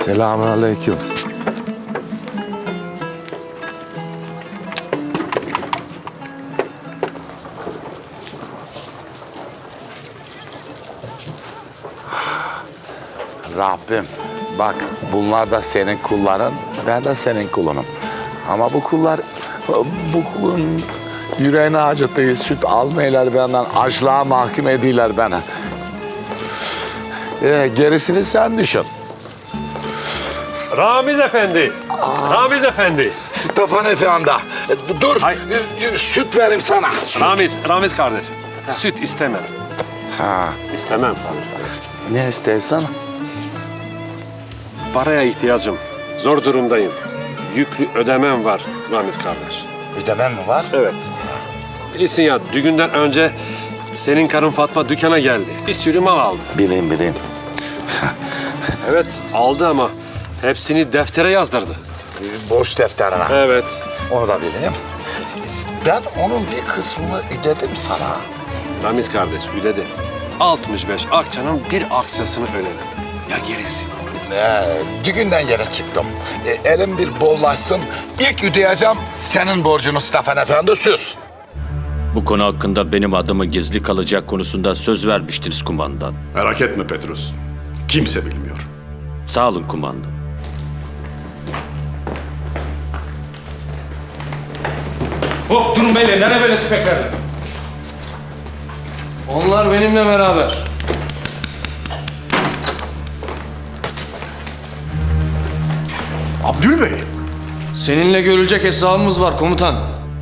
Selamünaleyküm. Rabbim, bak bunlar da senin kulların, ben de senin kulunum. Ama bu kulun yüreğini acıttığı süt almayırlar benden, açlığa mahkum ediyorlar beni. Gerisini sen düşün. Ramiz Efendi. Ramiz Efendi. Stefan Efendi, dur, süt vereyim sana. Süt. Ramiz kardeş. Süt istemem. Ha, İstemem. ne istersen? Paraya ihtiyacım. Zor durumdayım. Yüklü ödemem var Ramiz kardeş. Ödemem mi var? Evet. Bilirsin ya, düğünden önce senin karın Fatma dükkana geldi. Bir sürü mal aldı. Bileyim. Evet, aldı ama hepsini deftere yazdırdı. Borç defterine. Evet. Onu da bileyim. Ben onun bir kısmını ödedim sana. Ramiz kardeş ödedi. 65 akçanın bir akçasını ödedim. Ya gerisi? Düğünden yere çıktım. Elim bir bollaşsın. İlk ödeyeceğim senin borcunu Stefan Efendi, söz. Bu konu hakkında benim adımı gizli kalacak konusunda söz vermiştiniz kumandan. Merak etme Petrus. Kimse bilmiyor. Sağ olun kumandan. Hop durun beyler, nereye böyle tüfekler? Onlar benimle beraber. Abdül Bey. Seninle görülecek hesabımız var komutan.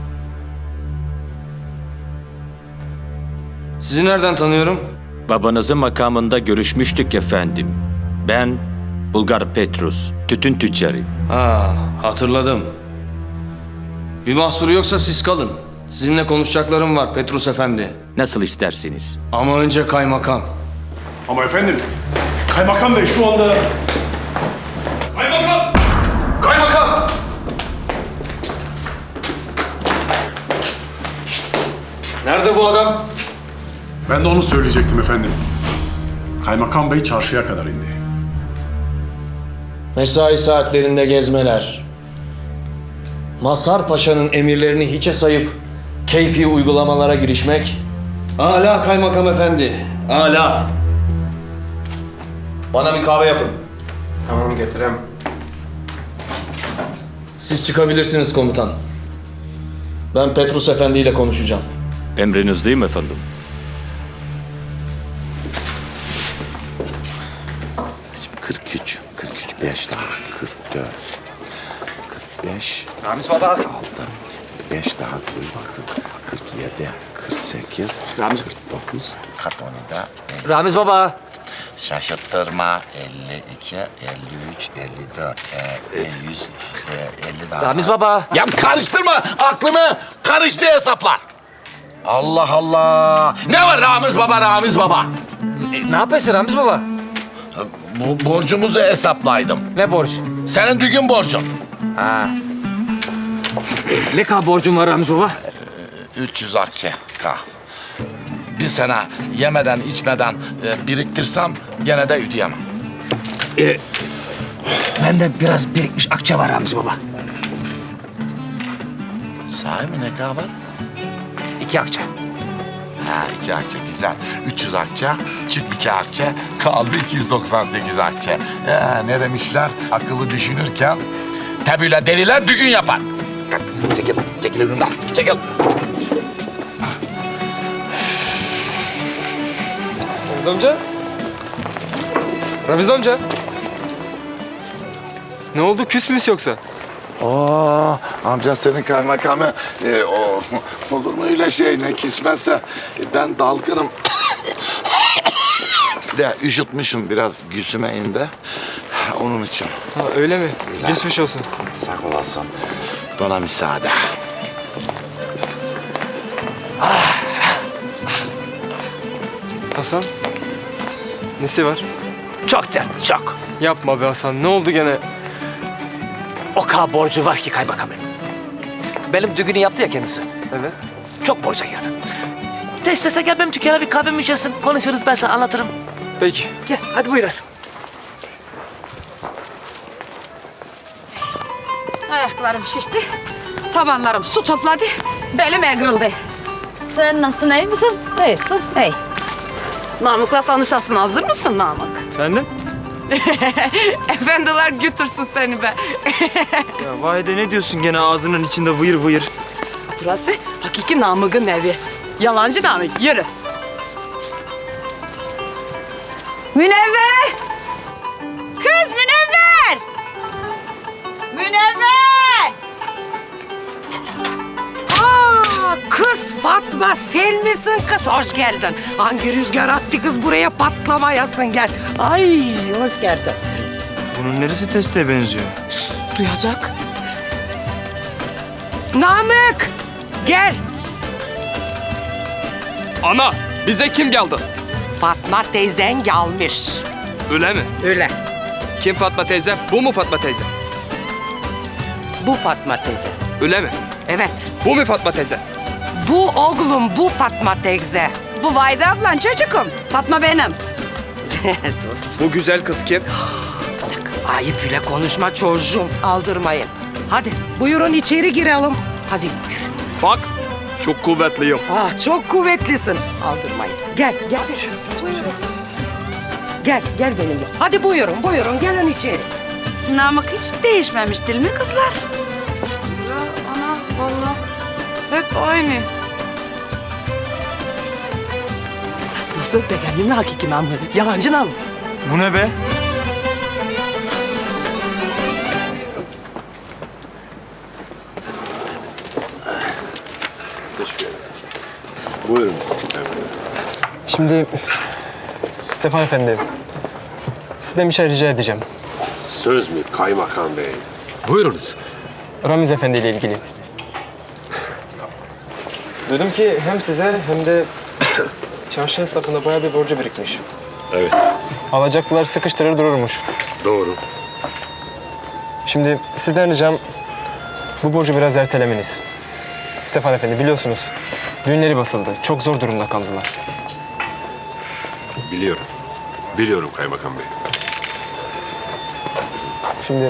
Sizi nereden tanıyorum? Babanızın makamında görüşmüştük efendim. Ben Bulgar Petrus, tütün tüccarı. Ha, hatırladım. Bir mahsuru yoksa siz kalın. Sizinle konuşacaklarım var Petrus Efendi. Nasıl isterseniz. Ama önce kaymakam. Ama efendim, Kaymakam Bey şu anda... Kaymakam! Kaymakam! Nerede bu adam? Ben de onu söyleyecektim efendim. Kaymakam Bey çarşıya kadar indi. Mesai saatlerinde gezmeler. Mazhar Paşa'nın emirlerini hiçe sayıp keyfi uygulamalara girişmek. Âlâ kaymakam efendi, âlâ. Bana bir kahve yapın. Tamam getirem. Siz çıkabilirsiniz komutan. Ben Petrus Efendi ile konuşacağım. Emrinizdeyim efendim. Şimdi 43, 5 daha, 44, 45, Ramiz baba. 6, 5 daha, 40, 47, 48, Ramiz. 49, 47, 50. Ramiz baba. Şaşırttırma, 52, 53, 54, 100, 50 daha. Ramiz baba. Ya karıştırma, aklımı karıştı hesaplar. Allah Allah. Ne var Ramiz baba? Ne yapıyorsun Ramiz baba? Bu borcumuzu hesaplaydım. Ne borç? Senin düğün borcun. Ne kadar borcum var Ramiz baba? 300 akçe ka. Bir sene yemeden içmeden biriktirsem gene de ödeyemem. Bende biraz birikmiş akçe var Ramiz baba. Sahi mi, ne kadar var? 2 akçe. Ha, 2 akçe güzel. 300 akçe, çık 2 akçe, kaldı 298 akçe. Ne demişler? Akıllı düşünürken tebüyle deliler düğün yapar. Çekil önümden, çekil. Ramiz amca? Ramiz amca? Ne oldu? Küs müyüz yoksa? Amca senin kaymakamı, olur mu öyle şey, ne kismezse ben dalgınım. De üşütmüşüm biraz, güsüme indi. Onun için. Ha öyle mi? Geçmiş olsun. Sağ olasın. Bana müsaade. Hasan? Nesi var? Çok dertli çok. Yapma be Hasan. Ne oldu gene? O kadar borcu var ki kaymakamım. Benim düğünü yaptı ya kendisi. Evet. Çok borca girdi. De istese gel benim dükkana bir kahve mi içersin? Konuşuruz, ben sana anlatırım. Peki. Gel hadi buyurasın. Ayaklarım şişti. Tabanlarım su topladı. Belim eğrildi. Sen nasılsın, iyi misin? İyisin. İyi. Namık'la tanışasın. Hazır mısın Namık? Efendim? Efendiler götürsün seni be. Ya Vahide ne diyorsun gene ağzının içinde vıyır vıyır? Burası hakiki Namık'ın evi. Yalancı Namık. Yürü. Münevver! Kız Münevver! Münevver! Kız Fatma sen misin kız? Hoş geldin. Hangi rüzgar attı kız buraya patlamayasın gel. Ay hoş geldin. Bunun neresi teste benziyor? Duyacak. Namık gel. Ana bize kim geldi? Fatma teyzen gelmiş. Öyle mi? Öyle. Kim Fatma teyze? Bu mu Fatma teyze? Bu Fatma teyze. Öyle mi? Evet. Bu mu Fatma teyze? Bu oğlum bu Fatma teyze. Bu Vahide ablan çocukum. Fatma benim. Dur. Bu güzel kız kim? Sakın ayıp öyle konuşma çocuğum. Aldırmayın. Hadi buyurun içeri girelim. Hadi yürü. Bak çok kuvvetliyim. Ah çok kuvvetlisin. Aldırmayın. Gel gel. Buyurun. Gel benimle. Hadi buyurun gelin içeri. Namık hiç değişmemiş değil mi kızlar? Ya ana vallahi hep aynı. Nasıl beğendin mi hakiki Namık? Yalancı Namık. Bu ne be? Buyurun. Şimdi Stefan Efendi, sizden bir şey rica edeceğim. Söz mü kaymakam bey? Buyurunuz. Ramiz Efendi ile ilgili. Duydum ki hem size hem de çarşı esnafında bayağı bir borcu birikmiş. Evet. Alacaklılar sıkıştırır dururmuş. Doğru. Şimdi sizden ricam bu borcu biraz ertelemeniz. Stefan Efendi biliyorsunuz düğünleri basıldı. Çok zor durumda kaldılar. Biliyorum. Biliyorum kaymakam bey. Şimdi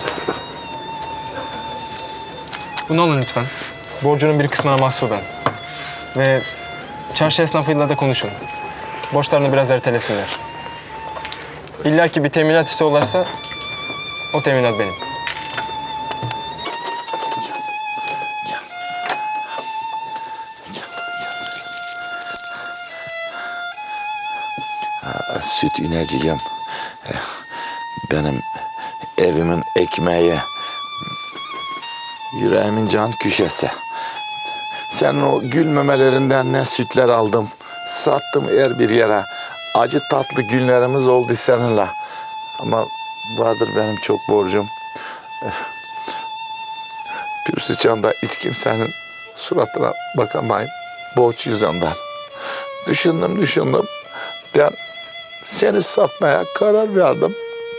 bunu alın lütfen. Borcunun bir kısmına mahsuben. Ve çarşı esnafıyla da konuşun. Borçlarını biraz ertelesinler. İlla ki bir teminat istiyorlarsa o teminat benim. Süt ineceğim. Benim evimin ekmeği. Yüreğimin can küşesi. Senin o gül memelerinden ne sütler aldım. Sattım her bir yere. Acı tatlı günlerimiz oldu seninle. Ama vardır benim çok borcum. Pür sıçanda hiç kimsenin suratına bakamayın. Borç yüzünden. Düşündüm. Ben seni satmaya karar verdim.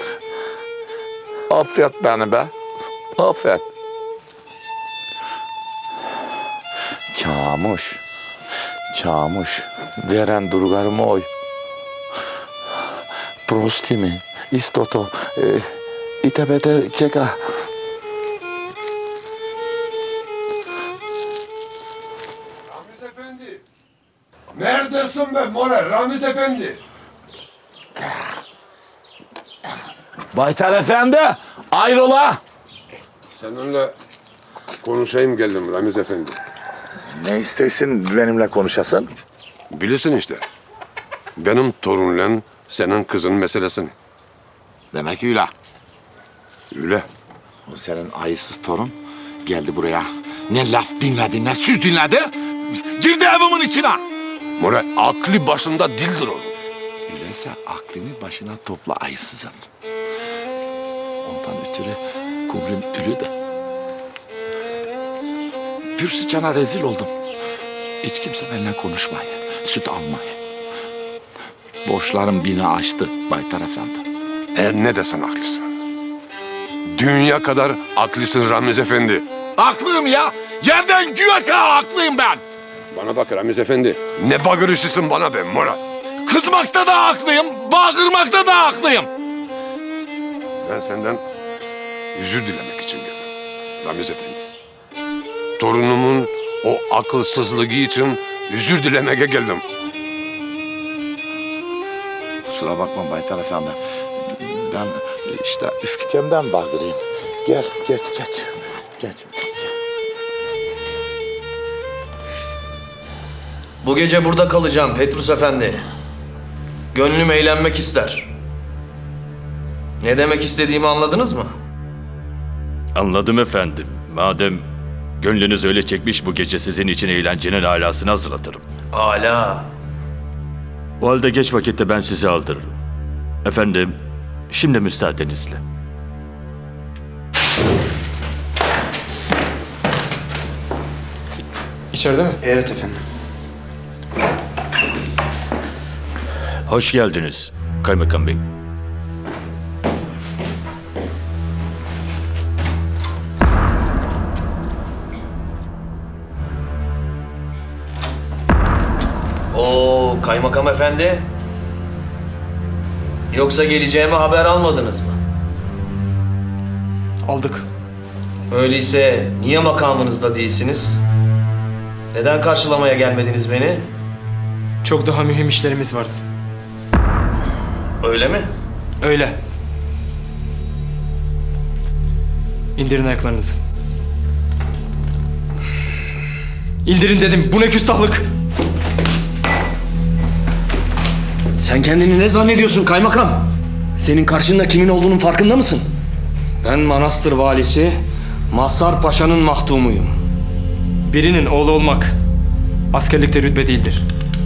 Affet beni be. Affet. Çamuş. Veren durgarımı oy. Prostimi, istoto, itebete çeka. Ramiz Efendi. Neredesin be More? Ramiz Efendi. Baytar Efendi, ayrola. Seninle konuşayım geldim Ramiz Efendi. Ne istesin benimle konuşasın? Bilirsin işte. Benim torunla senin kızın meselesini. Demek öyle. Öyle. O senin ayısız torun geldi buraya. Ne laf dinledi, ne söz dinledi. Girdi evimin içine. More aklı başında dildir o. Öyleyse aklını başına topla ayısızın. Ondan ötürü kumrum ölü de. Bir sıçana rezil oldum. Hiç kimse benimle konuşmayı, süt almayı. Borçlarım bini aştı Baytar Efendi. Ne desen haklısın. Dünya kadar haklısın Ramiz Efendi. Haklıyım ya. Yerden göğe kadar haklıyım ben. Bana bak Ramiz Efendi. Ne bağırışısın bana be Mora. Kızmakta da haklıyım, bağırmakta da haklıyım. Ben senden özür dilemek için geldim. Ramiz Efendi. Torunumun o akılsızlığı için özür dilemeye geldim. Kusura bakma Baytar Efendi. Ben işte üfkemden bağırayım. Gel, geç. Geç. Bu gece burada kalacağım Petrus Efendi. Gönlüm eğlenmek ister. Ne demek istediğimi anladınız mı? Anladım efendim. Madem gönlünüz öyle çekmiş, bu gece sizin için eğlencenin alasını hazırlatırım. Âlâ. O halde geç vakitte ben sizi aldırırım. Efendim, şimdi müsaadenizle. İçeride mi? Evet efendim. Hoş geldiniz Kaymakam Bey. Oo, kaymakam efendi. Yoksa geleceğime haber almadınız mı? Aldık. Öyleyse niye makamınızda değilsiniz? Neden karşılamaya gelmediniz beni? Çok daha mühim işlerimiz vardı. Öyle mi? Öyle. İndirin ayaklarınızı. İndirin dedim. Bu ne küstahlık? Sen kendini ne zannediyorsun kaymakam? Senin karşında kimin olduğunun farkında mısın? Ben Manastır valisi Mazhar Paşa'nın mahdumuyum. Birinin oğlu olmak askerlikte rütbe değildir.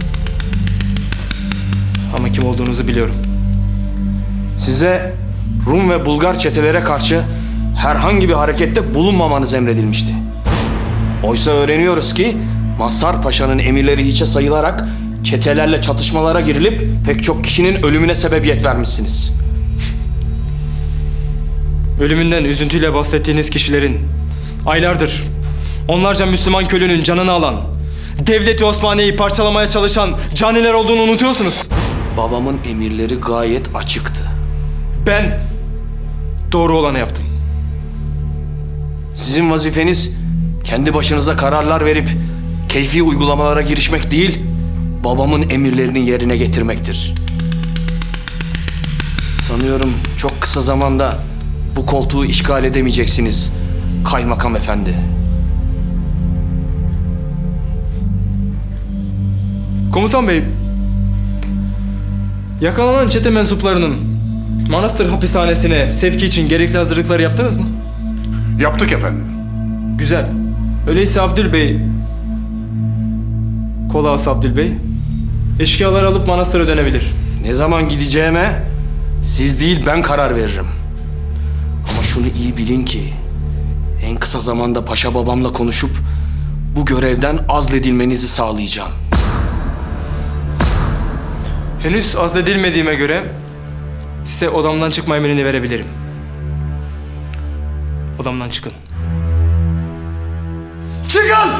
Ama kim olduğunuzu biliyorum. Size Rum ve Bulgar çetelere karşı herhangi bir harekette bulunmamanız emredilmişti. Oysa öğreniyoruz ki Mazhar Paşa'nın emirleri hiçe sayılarak çetelerle çatışmalara girilip pek çok kişinin ölümüne sebebiyet vermişsiniz. Ölümünden üzüntüyle bahsettiğiniz kişilerin aylardır onlarca Müslüman köylünün canını alan, Devleti Osmaniye'yi parçalamaya çalışan caniler olduğunu unutuyorsunuz. Babamın emirleri gayet açıktı. Ben doğru olanı yaptım. Sizin vazifeniz kendi başınıza kararlar verip keyfi uygulamalara girişmek değil, babamın emirlerini yerine getirmektir. Sanıyorum çok kısa zamanda bu koltuğu işgal edemeyeceksiniz kaymakam efendi. Komutan bey, yakalanan çete mensuplarının manastır hapishanesine sevki için gerekli hazırlıkları yaptınız mı? Yaptık efendim. Güzel. Öyleyse Abdül Bey, Kolağası Abdül Bey, eşkıyaları alıp manastıra dönebilir. Ne zaman gideceğime siz değil ben karar veririm. Ama şunu iyi bilin ki en kısa zamanda paşa babamla konuşup bu görevden azledilmenizi sağlayacağım. Henüz azledilmediğime göre size odamdan çıkma emrini verebilirim. Odamdan çıkın. Çıkın!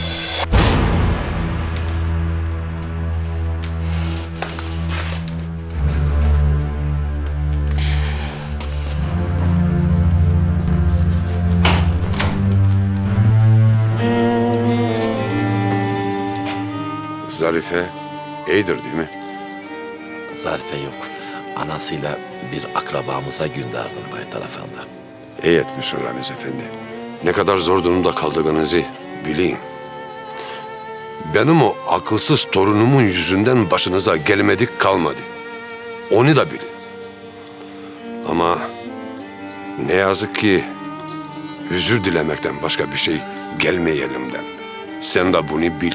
Zarife iyidir değil mi? Zarife yok. Anasıyla bir akrabamıza gönderdim Baytar Efendi. İyi etmişsin Ramiz Efendi. Ne kadar zor durumda kaldığınızı bileyim. Benim o akılsız torunumun yüzünden başınıza gelmedik kalmadı. Onu da bilin. Ama ne yazık ki özür dilemekten başka bir şey gelmiyor elimden. Sen de bunu bil.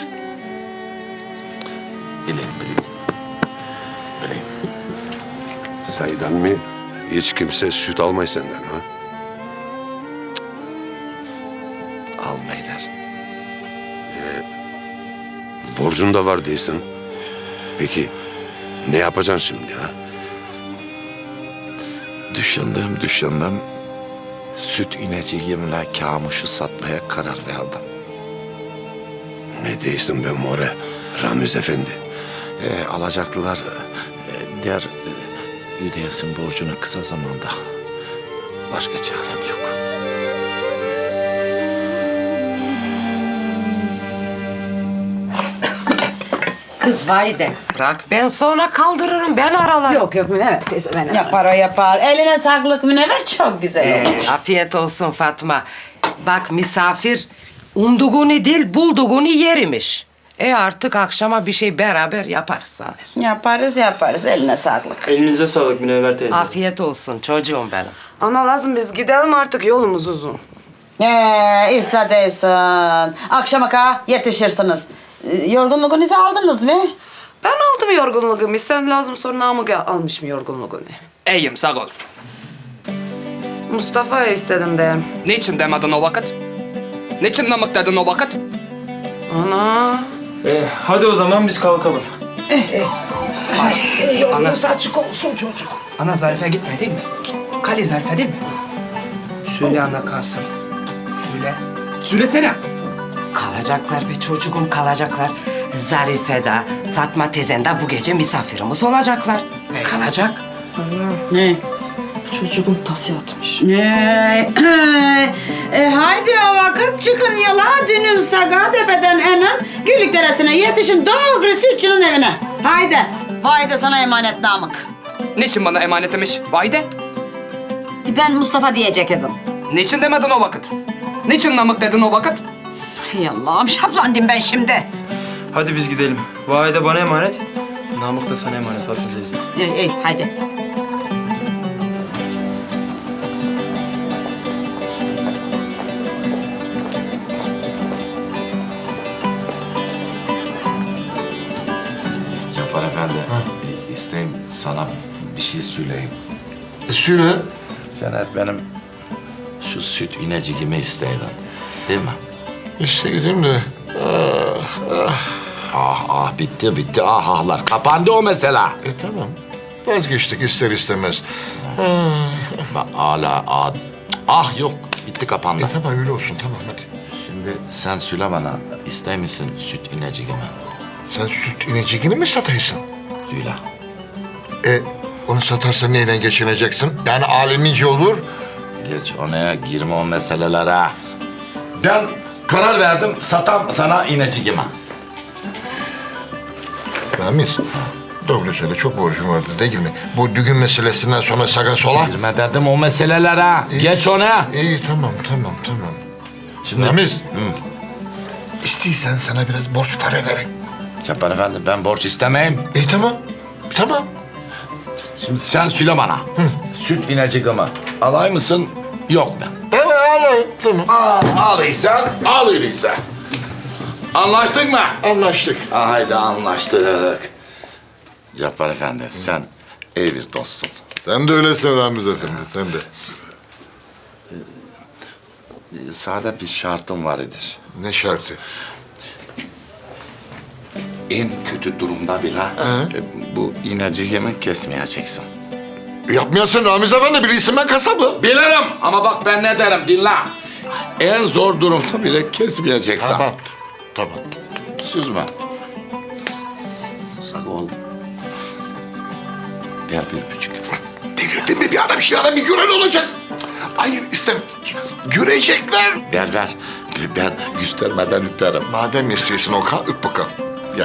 Bileyim. Saydan mı? Hiç kimse süt almay senden ha? Almaylar. Borcun da var değilsin. Peki ne yapacaksın şimdi ha? Düşündüm. Süt ineceğimle kamuşu satmaya karar verdim. Ne değilsin be more Ramiz Efendi? Alacaklılar der ödeyesin borcunu kısa zamanda. Başka çarem yok. Kız Vahide bırak ben sonra kaldırırım ben aralarım. Yok yok Münevver teyze ben Yapar o yapar. Eline sağlık Münevver, çok güzel olmuş. Afiyet olsun Fatma. Bak misafir umduğunu değil bulduğunu yerimiş. Artık akşama bir şey beraber yaparız abi. Yaparız. Eline sağlık. Elinize sağlık Münevver teyze. Afiyet olsun çocuğum benim. Ana lazım biz gidelim artık yolumuz uzun. İsla değilsin. Akşama yetişirsiniz. Yorgunluğunuzu aldınız mı? Ben aldım yorgunluğumu. Sen lazım sonra Namık almış mı yorgunluğunu? İyiyim sağ ol. Mustafa'ya istedim de. Niçin demedin o vakit? Niçin Namık dedin o vakit? Ana. Hadi o zaman biz kalkalım. Yolunuz açık olsun çocuk. Ana Zarife gitme değil mi? Kale Zarife değil mi? Söyle ana kalsın. Söyle. Söylesene. Kalacaklar be çocuğum kalacaklar. Zarife de Fatma tezen de bu gece misafirimiz olacaklar. Kalacak. Ne? Çocuğum tası atmış. Haydi o vakit çıkın yola. Dünün Sagatepe'den enen Gülük Deresi'ne yetişin doğru sütçünün evine. Haydi. Vay da sana emanet Namık. Niçin bana emanet demiş? Vahide. Ben Mustafa diyecektim. Niçin demedin o vakit? Niçin Namık dedin o vakit? Hay Allah'ım şaplandım ben şimdi. Hadi biz gidelim. Vahide bana emanet. Namık da sana emanet Fatma teyze. İyi haydi. Cabbar Efendi, isteyim sana bir şey söyleyeyim. Söyle. Sen hep benim şu süt inecikimi isteydin, değil mi? İsteydim de. Bitti ahlar. Kapandı o mesela. Tamam. Vazgeçtik ister istemez. Bak hala yok. Bitti kapandı. Tamam öyle olsun tamam hadi. Şimdi sen söyle bana, ister misin süt inecikimi? Sen süt inecikini mi sataysın? Söyle. Onu satarsan neyle geçineceksin? Yani alemince olur. Geç ona girme o meselelere. Ben karar verdim, satam sana inecikimi. Ramiz, doğru söyle çok borcum vardı değil mi? Bu düğün meselesinden sonra sağa sola. Girme dedim o meselelere. Geç ona. İyi tamam. Şimdi Ramiz, İstiysen sana biraz borç para vereyim. Cabbar Efendi, ben borç istemeyim. Tamam. Şimdi sen söyle bana. Süt inecikimi alay mısın, yok mu? Tamam alayım, tamam. Al öyleyse. Anlaştık mı? Anlaştık. Haydi anlaştık. Cabbar Efendi, sen iyi bir dostsun. Sen de öylesin Ramiz Efendi, sen de. Sade bir şartım var idir. Ne şartı? En kötü durumda bile bu inecikimi kesmeyeceksin. Yapmayasın Ramiz Efendi, bilirsin ben kasabım. Bilirim ama bak ben ne derim, dinle. En zor durumda bile kesmeyeceksin. Tamam. Söz mü? Sağ ol. Ver 1,5. Delirdin mi bir adam şey bir gören olacak. Hayır istemem. Görecekler. Ver. Ben göstermeden üperim. Madem istiyorsun o kadar öp bakalım. Gel.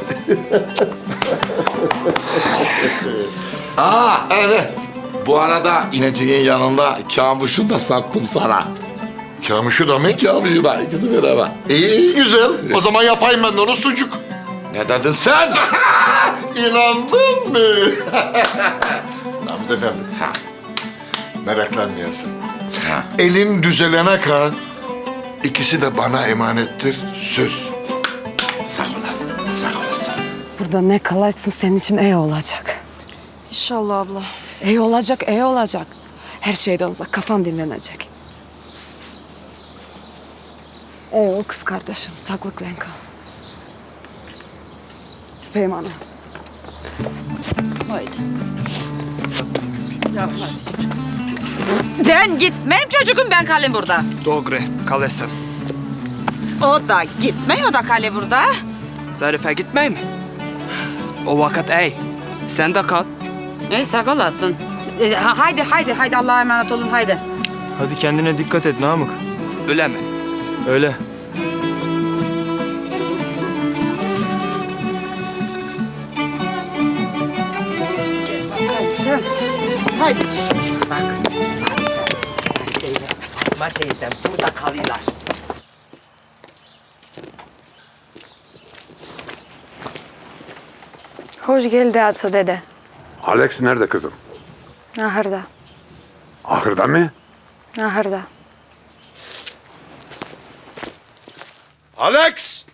Evet. Bu arada ineceğin yanında kamuşu da sattım sana. Kamuşu da mı? Kamuşu da, ikisi beraber. İyi güzel. O zaman yapayım ben de onu sucuk. Ne dedin sen? İnandın mı? Namık Efendi. Meraklanmayasın. Elin düzelene kadar ikisi de bana emanettir. Söz. Sağ olasın. Burada ne kalaysın senin için iyi olacak. İnşallah abla. İyi olacak. Her şeyden uzak, kafan dinlenecek. O kız kardeşim, sağlıkla kal. Öpeyim ana. Haydi. Ben gitmeyeyim çocuğum, ben kalayım burada. Doğru, kalırsın. O da gitmey, o da kale burada. Zarife gitmey mi? O vakit ey. Sen de kal. Sağ olasın. Haydi Allah'a emanet olun haydi. Hadi kendine dikkat et Namık. Öyle mi? Öyle. Fatma teyzem burada kalıyorlar. Hoş geldi Atı dede. Alex nerede kızım? Ahırda. Ahırda mı? Ahırda. Alex!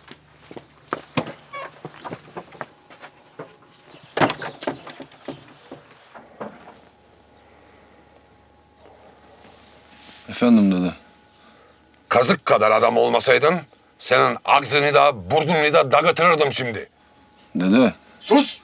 Efendim dede. Kazık kadar adam olmasaydın senin ağzını da burnunu da dağıtırırdım şimdi. Dede. Sus!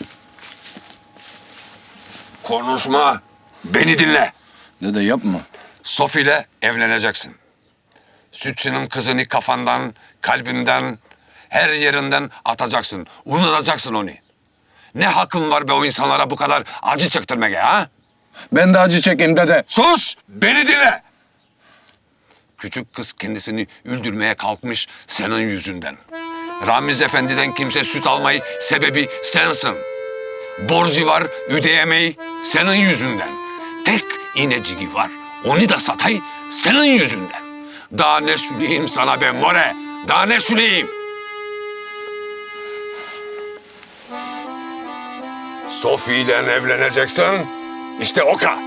Konuşma. Beni dinle. Dede yapma. Sophie ile evleneceksin. Sütçünün kızını kafandan, kalbinden, her yerinden atacaksın. Unutacaksın onu. Ne hakkın var be o insanlara bu kadar acı çektirmeye ha? Ben de acı çekeyim dede. Sus! Beni dinle! Küçük kız kendisini öldürmeye kalkmış senin yüzünden. Ramiz Efendi'den kimse süt almayı sebebi sensin. Borcu var ödeyemeyi senin yüzünden. Tek ineciği var. Onu da satay senin yüzünden. Daha ne söyleyeyim sana be more? Daha ne söyleyeyim? Sophie ile evleneceksin. İşte o kadar.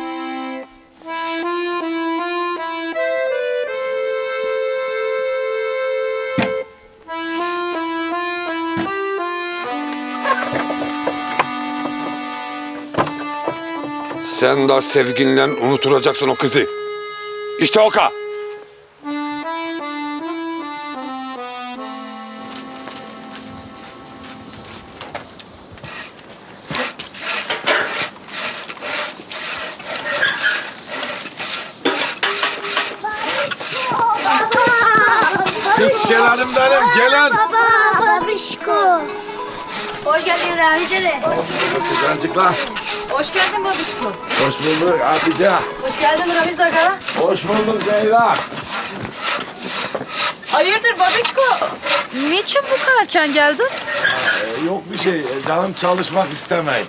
Sen de sevginle unutulacaksın o kızı. İşte o kadar. Kız şelalim benim, gelin. Baba, babişko. Hoş geldin Rahmi dede. Kızancıklar. Hoş geldin babişko. Hoş bulduk Hatice. Hoş geldin Ramiz aga. Hoş bulduk Zehra. Hayırdır babişko? Niçin bu kadar erken geldin? Yok bir şey, canım çalışmak istemeyin.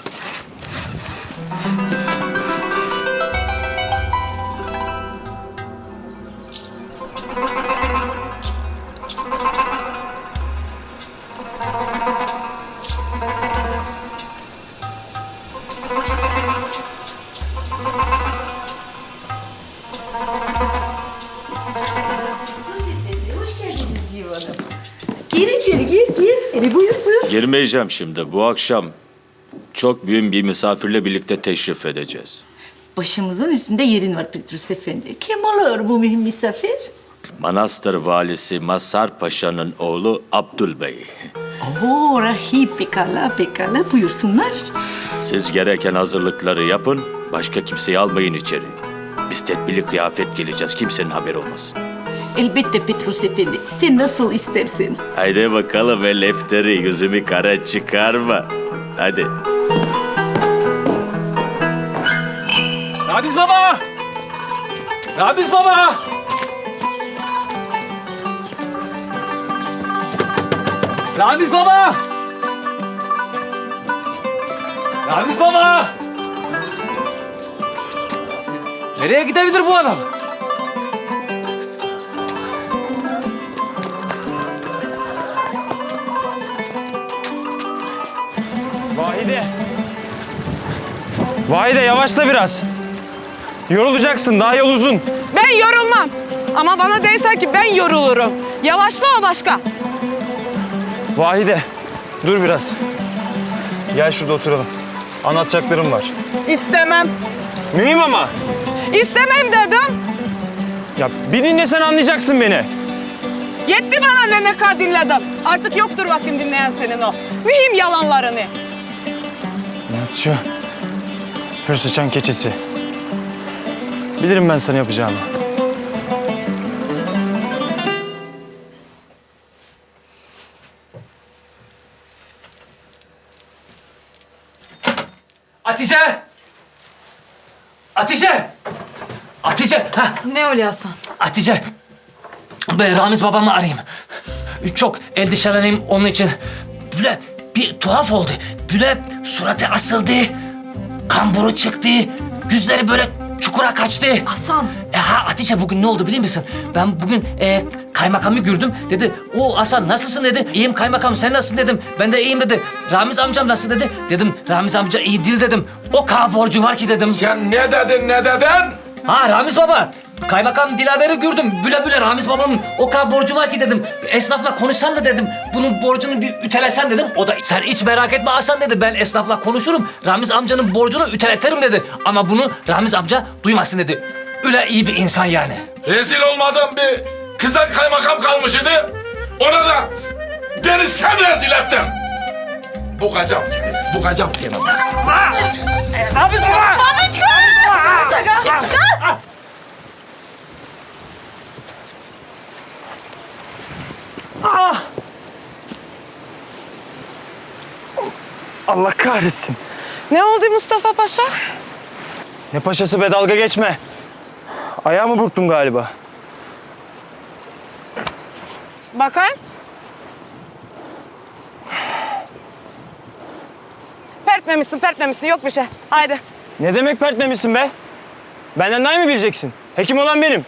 Gir içeri gir. Buyur. Girmeyeceğim şimdi. Bu akşam çok büyük bir misafirle birlikte teşrif edeceğiz. Başımızın üstünde yerin var Petrus Efendi. Kim olur bu mühim misafir? Manastır valisi Mazhar Paşa'nın oğlu Abdülbey. Oo, rahip pekala buyursunlar. Siz gereken hazırlıkları yapın, başka kimseyi almayın içeri. Biz tedbirli kıyafet geleceğiz, kimsenin haberi olmasın. Elbette Petrus Efendi, sen nasıl istersin? Haydi bakalım el lefteri, yüzümü kara çıkarma. Hadi. Ramiz baba! Ramiz baba! Ramiz baba! Ramiz baba! Nereye gidebilir bu adam? Vahide yavaşla biraz. Yorulacaksın, daha yol uzun. Ben yorulmam. Ama bana değilse ki ben yorulurum. Yavaşla o başka. Vahide, dur biraz. Gel şurada oturalım. Anlatacaklarım var. İstemem. Mühim ama. İstemem dedim. Ya bir dinlesen anlayacaksın beni. Yetti bana ne kadar dinledim. Artık yoktur vaktim dinleyen senin o mühim yalanlarını. Şu hür sıçan keçisi. Bilirim ben sana yapacağımı. Hatice! Hatice! Ha. Ne oluyor Hasan? Hatice! Ben Ramiz babamı arayayım. Çok endişeleneyim onun için. Böyle bir tuhaf oldu. Böyle suratı asıldı. Kamburu çıktı. Yüzleri böyle çukura kaçtı. Hasan. Ha Hatice bugün ne oldu biliyor musun? Ben bugün kaymakamı gördüm. Dedi o Hasan nasılsın dedi. İyiyim kaymakam sen nasılsın dedim. Ben de iyiyim dedi. Ramiz amcam nasıl dedi. Dedim Ramiz amca iyi değil dedim. O kadar borcu var ki dedim. Sen ne dedin ne dedin? Ha Ramiz baba. Kaymakam Dilaver'i gördüm. Büle büle Ramiz babamın o kadar borcu var ki dedim. Esnafla konuşsan da dedim. Bunun borcunu bir ütelesen dedim. O da sen hiç merak etme Hasan dedi. Ben esnafla konuşurum. Ramiz amcanın borcunu üteletirim dedi. Ama bunu Ramiz amca duymasın dedi. Öyle iyi bir insan yani. Rezil olmadığım bir kızak kaymakam kalmış idi. Ona da beni sen rezil ettin. Bukacağım seni, bukacağım seni. Ramiz baba! Allah kahretsin. Ne oldu Mustafa Paşa? Ne paşası be, dalga geçme. Ayağımı burktum galiba. Bakayım. Pertmemişsin. Yok bir şey. Haydi. Ne demek pertmemişsin be? Benden daha iyi mi bileceksin? Hekim olan benim.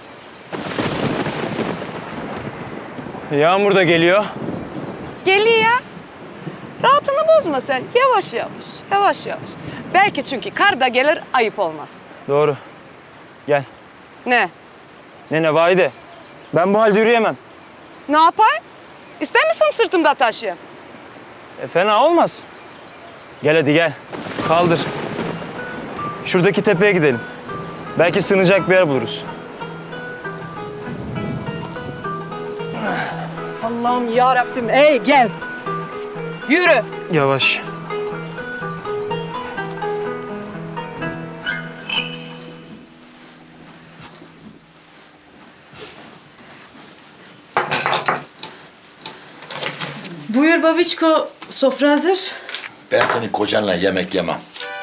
Yağmur da geliyor. Geliyor ya. Rahatını bozma sen. Yavaş. Belki çünkü kar da gelir, ayıp olmaz. Doğru. Gel. Ne? Ne Vahide? Ben bu halde yürüyemem. Ne yapayım? İster misin sırtımda taşıyayım? Fena olmaz. Gel hadi gel. Kaldır. Şuradaki tepeye gidelim. Belki sığınacak bir yer buluruz. Allah'ım ya Rabbim. Ey gel. Yürü. Yavaş. Buyur babiçko, sofra hazır. Ben senin kocanla yemek yemem.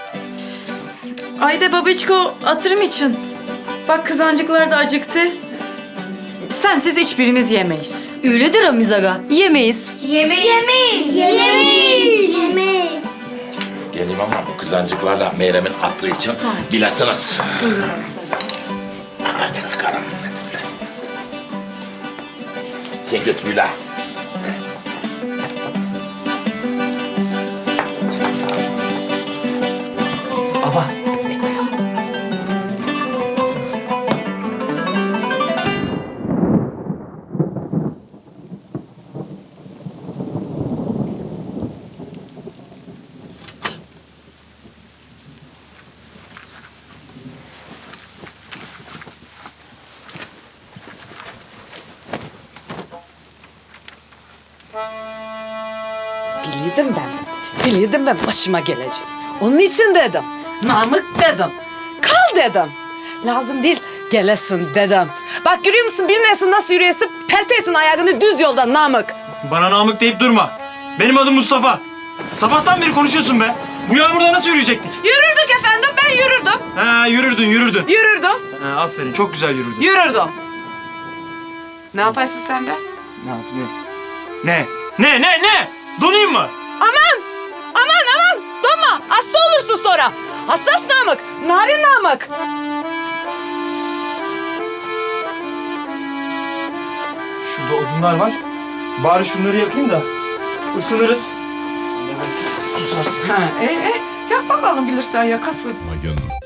Ayda babiçko, hatırım için. Bak kızancıklar da acıktı. Sensiz hiçbirimiz yemeyiz. Öyledir Ramiz aga. Yemeyiz. Yemeyiz. Geleyim ama bu kızancıklarla Meyrem'in hatırı için bilesiniz. Hadi bakalım. Sen git Müla. Baba. Biliyordum ben başıma gelecek. Onun için dedim. Namık dedim. Kal dedim. Lazım değil, gelesin dedim. Bak görüyor musun, bilmeyesin nasıl yürüyesin, perteyesin ayağını düz yoldan Namık. Bana Namık deyip durma. Benim adım Mustafa. Sabahtan beri konuşuyorsun be. Bu yağmurda nasıl yürüyecektik? Yürürdük efendim, ben yürürdüm. Ha yürürdün. Yürürdüm. Ha, aferin, çok güzel yürürdün. Yürürdüm. Ne yaparsın sen be? Ne yapayım? Ne? Donayım mı? Aman! Donma, hasta olursun sonra. Hassas Namık, narin Namık. Şurada odunlar var. Bari şunları yakayım da ısınırız. Susarsın. Yak bakalım, bilirsen yakasın. Aman